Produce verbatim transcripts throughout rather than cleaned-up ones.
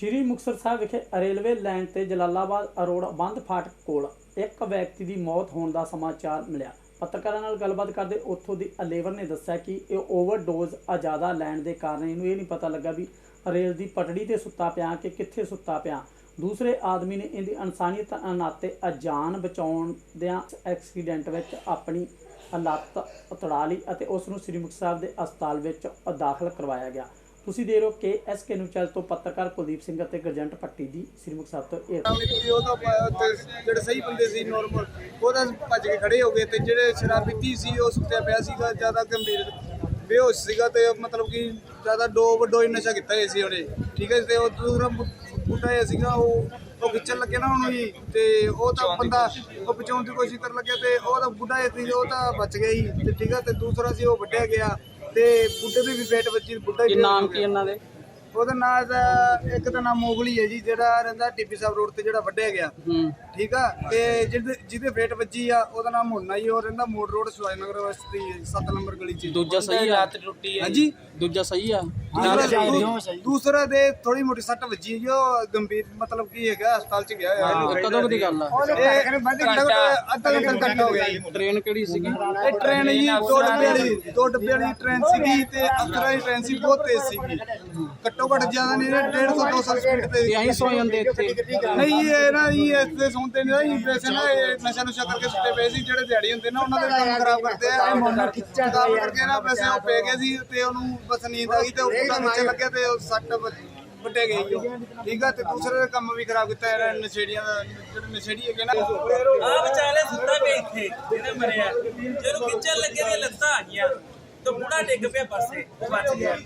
श्री मुक्तसर साहब विखे railway line ते जलालाबाद अरोड़ा बंद फाटक कोल एक व्यक्ति की मौत होने का समाचार मिलिया। पत्रकारों नाल गलबात करते उत्थों की अलेवर ने दस्सिया कि यह ओवरडोज ज़्यादा लैण के कारण इनू ये नहीं पता लगा भी रेल की पटड़ी ते सुत्ता पिया कि कित्थे सुत्ता पिया। दूसरे आदमी ने इनकी अनसानीयत नाते जान बचाउंदियां एक्सीडेंट विच अपनी लत्त तड़ा ली और उसनूं श्री मुक्तसर साहब के अस्पताल विच दाखिल करवाया गया। तुसीं देख रहे हो के एस के न्यूज़ चैनल तो पत्रकार कुलदीप सिंह और गरजंट पट्टी की श्री मुक्तसर तो ਜਿਹੜੇ ਸਹੀ ਬੰਦੇ ਸੀ ਨੋਰਮਲ ਉਹ ਤਾਂ ਭੱਜ ਕੇ ਖੜੇ ਹੋ ਗਏ ਤੇ ਜਿਹੜੇ ਸ਼ਰਾਬ ਪੀਤੀ ਸੀ ਉਹ ਸੁੱਤਿਆ ਪਿਆ ਸੀਗਾ ਜ਼ਿਆਦਾ ਗੰਭੀਰ ਬੇਹੋਸ਼ ਸੀਗਾ ਤੇ ਮਤਲਬ ਕਿ ਜ਼ਿਆਦਾ ਡੋਪ ਡੋਈ ਨਸ਼ਾ ਕੀਤਾ ਹੋਇਆ ਸੀ ਉਹਨੇ। ਠੀਕ ਹੈ ਤੇ ਉਹ ਦੂਸਰਾ ਬੁੱਢਾ ਜਿਹਾ ਸੀਗਾ ਉਹ ਉਹ ਖਿੱਚਣ ਲੱਗੇ ਨਾ ਉਹਨੂੰ ਜੀ ਤੇ ਉਹ ਤਾਂ ਬੰਦਾ ਉਹ ਬਚਾਉਣ ਦੀ ਕੋਸ਼ਿਸ਼ ਕਰਨ ਲੱਗਿਆ ਤੇ ਉਹ ਤਾਂ ਬੁੱਢਾ ਜਿਹਾ ਸੀ ਉਹ ਤਾਂ ਬਚ ਗਿਆ ਜੀ ਤੇ ਠੀਕ ਹੈ ਤੇ ਦੂਸਰਾ ਸੀ ਉਹ ਵੱਢਿਆ ਗਿਆ ਤੇ ਬੁੱਢੇ ਦੀ ਵੀ ਫੇਟ ਵੱਜੀ। ਬੁੱਢਾ ਕੀ ਨਾਮ ਕੀ ਇਹਨਾਂ ਦੇ? ਉਹਦਾ ਨਾਂ ਦਾ ਇੱਕ ਦਾ ਨਾਮ ਮੋਗਲੀ ਹੈ ਜੀ ਜਿਹੜਾ ਰਹਿੰਦਾ ਟੀਪੀ ਸਾਹਿਬ ਰੋਡ ਤੇ ਜਿਹੜਾ ਵੱਢਿਆ ਗਿਆ। ਠੀਕ ਆ ਤੇ ਜਿਹਦੇ ਜਿਹਦੇ ਫੇਟ ਵੱਜੀ ਆ ਉਹਦਾ ਨਾਮ ਮੁੰਨਾ ਜੀ ਉਹ ਰਹਿੰਦਾ ਮੋੜ ਰੋਡ ਸਵਾਈ ਨਗਰ ਵਸਤੀ ਸੱਤ ਨੰਬਰ ਗਲੀ ਚ। ਦੂਜਾ ਸਹੀ ਆ? ਲੱਤ ਟੁੱਟੀ ਹੈ ਹਾਂਜੀ। ਦੂਜਾ ਸਹੀ ਆ? ਦੂਸਰਾ ਦੇ ਥੋੜੀ ਮੋਟੀ ਸੱਟ ਵੱਜੀ ਜੋ ਗੰਭੀਰ ਮਤਲਬ ਕੀ ਹੈਗਾ ਹਸਪਤਾਲ ਚ ਗਿਆ ਹੋਇਆ। ਕਦੋਂ ਦੀ ਗੱਲ ਆ? ਅੱਧਾ ਘੰਟਾ ਹੋ ਗਿਆ ਜੀ। ਟ੍ਰੇਨ ਕਿਹੜੀ ਸੀਗੀ? ਇਹ ਟ੍ਰੇਨ ਜੀ ਦੋ ਡੱਬੇ ਵਾਲੀ ਦੋ ਡੱਬੇ ਵਾਲੀ ਟ੍ਰੇਨ ਸੀਗੀ ਤੇ ਅੰਦਰਾਂ ਦੀ ਟ੍ਰੇਨ ਸੀ ਬਹੁਤ ਤੇਜ਼ ਸੀਗੀ। ਘੱਟੋ ਘੱਟ ਜ਼ਿਆਦਾ ਨਹੀਂ ਡੇਢ ਸੌ ਦੋ ਸੌ ਸਪੀਡ ਤੇ ਯਹੀਂ ਸੌ ਜਾਂਦੇ ਇੱਥੇ? ਨਹੀਂ ਇਹ ਨਾ ਇਹ ਇੱਥੇ ਸੌਂਦੇ ਨਹੀਂ ਵੈਸੇ ਨਾ ਇਹ ਨਸ਼ਾ ਨੁਸ਼ਾ ਕਰਕੇ ਸੁੱਤੇ ਪਏ ਸੀ ਜਿਹੜੇ ਦਿਹਾੜੀ ਹੁੰਦੇ ਨਾ ਉਹਨਾਂ ਦੇ ਕੰਮ ਖਰਾਬ ਕਰਦੇ ਆ ਖਰਾਬ ਕਰਕੇ ਨਾ ਵੈਸੇ ਉਹ ਪੈ ਗਏ ਸੀ ਤੇ ਉਹਨੂੰ ਬਸ ਨੀਂਦ ਆ ਗਈ ਤੇ ਉਹ ਪਤਾ ਨੀਚੇ ਲੱਗਿਆ ਤੇ ਉਹ ਸੱਟ ਵੱਟੇ ਗਈ ਉਹ। ਠੀਕ ਆ ਤੇ ਦੂਸਰੇ ਦਾ ਕੰਮ ਵੀ ਖਰਾਬ ਕੀਤਾ ਇਹਨਾਂ ਨਸ਼ੇੜੀਆਂ ਦਾ ਜਿਹੜੇ ਨਸ਼ੇੜੀ ਹੈਗੇ ਨਾ ਆ ਵਿਚਾਲੇ ਸੁੱਤਾ ਪਿਆ ਇੱਥੇ ਜਿਹਨੇ ਮਰਿਆ ਜਦੋਂ ਖਿੱਚਣ ਲੱਗੇ ਤੇ ਲੱਤਾਂ ਆ ਗਈਆਂ ਤੇ ਬੁੜਾ ਡਿੱਗ ਪਿਆ ਪਾਸੇ ਬਚ ਗਿਆ।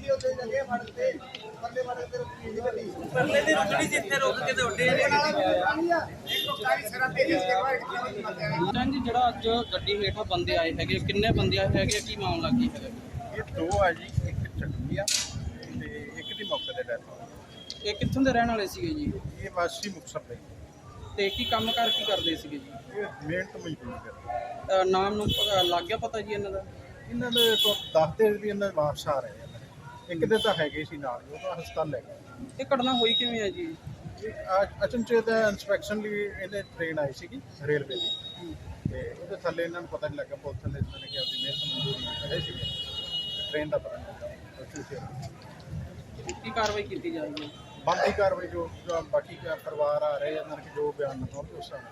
ਪਰਲੇ ਦੀ ਰੁਕਣੀ ਜਿੱਥੇ ਰੁਕ ਕੇ ਤੇ ਉੱਡੇ ਜੀ। ਜਿਹੜਾ ਅੱਜ ਗੱਡੀ ਹੇਠਾਂ ਬੰਦੇ ਆਏ ਹੈਗੇ ਕਿੰਨੇ ਬੰਦੇ ਆਏ ਹੈਗੇ ਕੀ ਮਾਮਲਾ ਕੀ ਹੈਗਾ? ਇਹ ਦੋ ਆ ਜੀ ਇੱਕ ਚੱਕੀ ਆ ਤੇ ਇੱਕ ਦੀ ਮੌਕੇ ਤੇ ਡੈਥ ਹੋ ਇਹ ਕਿੱਥੋਂ ਦੇ ਰਹਿਣ ਵਾਲੇ ਸੀਗੇ ਜੀ? ਗਈ। ਇਹ ਵਾਸੀ ਮੁਕਤਸਰ ਦੇ ਤੇ ਕੀ ਕੰਮ ਕਰ ਕੀ ਕਰਦੇ ਸੀਗੇ ਜੀ? ਇਹ ਮਿਹਨਤ ਮਜ਼ਦੂਰੀ ਕਰਦੇ। ਅਹ ਨਾਮ ਨੂੰ ਪਤਾ- ਲੱਗ ਗਿਆ ਪਤਾ ਜੀ ਇਹਨਾਂ ਦਾ? ਇਹਨਾਂ ਦੇ ਤੋਂ ਦੱਸਦੇ ਵੀ ਇਹਨਾਂ ਦੇ ਵਾਪਸ ਆ ਰਹੇ ਆ। ਇੱਕ ਦੇ ਤਾਂ ਹੈਗੇ ਸੀ ਨਾਲ ਹੀ, ਉਹ ਤਾਂ ਹਸਪਤਾਲ ਲੈ ਗਏ। ਇਹ ਘਟਨਾ ਹੋਈ ਕਿਵੇਂ ਹੈ ਜੀ? ਇਹ ਅਚਨਚੇਤ ਇਨਸਪੈਕਸ਼ਨ ਲਈ ਇਹਨੇ ਟ੍ਰੇਨ ਆਈ ਸੀਗੀ ਰੇਲਵੇ ਦੀ ਤੇ ਉਹਦੇ ਥੱਲੇ ਇਹਨਾਂ ਨੂੰ ਪਤਾ ਨਹੀਂ ਲੱਗਾ ਪੁਲਿਸ ਥੱਲੇ ਇਹਨਾਂ ਨੇ ਕਿ ਆਪਣੀ ਮਿਹਨਤ ਮਜ਼ਦੂਰੀ ਕਰੇ ਸੀਗੇ ਟ੍ਰੇਨ ਦਾ ਪਤਾ ਨਹੀਂ ਲੱਗਾ। ਕੀ ਕਾਰਵਾਈ ਕੀਤੀ ਜਾਏਗੀ? ਬੰਦੀ ਕਾਰਵਾਈ ਜੋ ਜੋ ਬਾਕੀ ਪਰਿਵਾਰ ਆ ਰਹੇ ਇਹਨਾਂ ਨੇ ਜੋ ਬਿਆਨ ਲਿਖਾਉਣਗੇ ਉਸ ਹਿਸਾਬ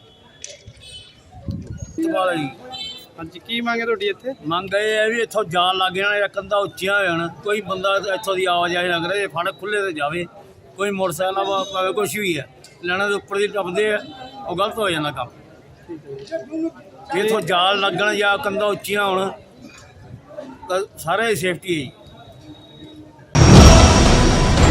ਨਾਲ ਜੀ। ਹਾਂਜੀ ਕੀ ਮੰਗੇ ਤੁਹਾਡੀ ਇੱਥੇ? ਮੰਗ ਇਹ ਹੈ ਵੀ ਇੱਥੋਂ ਜਾਣ ਲੱਗ ਜਾਣਾ ਕੰਧਾਂ ਉੱਚੀਆਂ ਹੋ ਜਾਣ ਕੋਈ ਬੰਦਾ ਇੱਥੋਂ ਦੀ ਆਵਾਜਾਈ ਨਾ ਕਰੇ ਫੜ ਖੁੱਲੇ ਤੇ ਜਾਵੇ ਕੋਈ ਮੋਟਰਸਾਈਕਲ ਭਾਵੇਂ ਕੁਛ ਵੀ ਹੈ ਲੈਣਾ ਦੇ ਉੱਪਰ ਦੀ ਟੱਪਦੇ ਆ ਉਹ ਗਲਤ ਹੋ ਜਾਂਦਾ ਕੰਮ। ਜੇ ਇੱਥੋਂ ਜਾਲ ਲੱਗਣ ਜਾਂ ਕੰਧਾਂ ਉੱਚੀਆਂ ਹੋਣ ਤਾਂ ਸਾਰੇ ਸੇਫਟੀ ਹੈ ਜੀ।